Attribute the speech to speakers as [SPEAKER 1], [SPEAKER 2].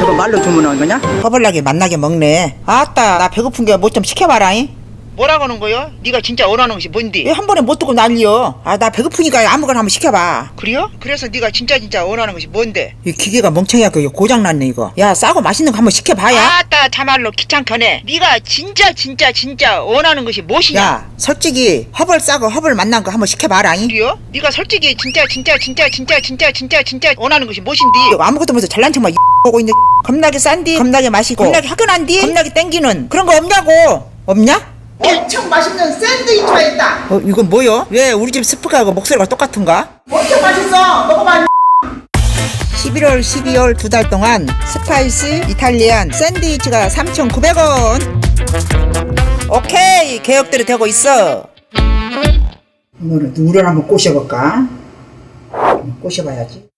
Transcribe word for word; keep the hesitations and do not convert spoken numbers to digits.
[SPEAKER 1] 이거 말로 주문한 거냐?
[SPEAKER 2] 허벌나게 만나게 먹네. 아따, 나 배고픈 게 뭐 좀 시켜봐라잉.
[SPEAKER 1] 뭐라고 하는 거요? 네가 진짜 원하는 것이 뭔데?
[SPEAKER 2] 왜 한 번에 못 듣고 난리여? 아, 나 배고프니까 아무거나 한번 시켜봐.
[SPEAKER 1] 그래요? 그래서 네가 진짜 진짜 원하는 것이 뭔데?
[SPEAKER 2] 이 기계가 멍청이야. 그 고장났네 이거. 야, 싸고 맛있는 거 한번 시켜봐야.
[SPEAKER 1] 아따 참말로 귀찮거네. 네가 진짜 진짜 진짜 원하는 것이 무엇이냐?
[SPEAKER 2] 야, 솔직히 허벌 싸고 허벌 만난 거 한번 시켜봐라잉.
[SPEAKER 1] 그래요? 네가 솔직히 진짜 진짜 진짜 진짜 진짜 진짜 진짜 원하는 것이 무엇인데?
[SPEAKER 2] 이거 아무것도 못해서 잘난 척만 보고 있네. 겁나게 싼디, 겁나게 맛있고, 겁나게 화끈한디, 겁나게 땡기는 그런 거 없냐고. 없냐?
[SPEAKER 3] 엄청 맛있는 샌드위치가 있다.
[SPEAKER 2] 어, 이건 뭐요? 왜 우리 집 스프하고 목소리가 똑같은가?
[SPEAKER 3] 엄청 맛있어. 먹어봐.
[SPEAKER 2] 십일월, 십이월 두 달 동안 스파이시 이탈리안 샌드위치가 삼천구백 원. 오케이, 계획대로 되고 있어. 오늘은 누구를 한번 꼬셔볼까? 꼬셔봐야지.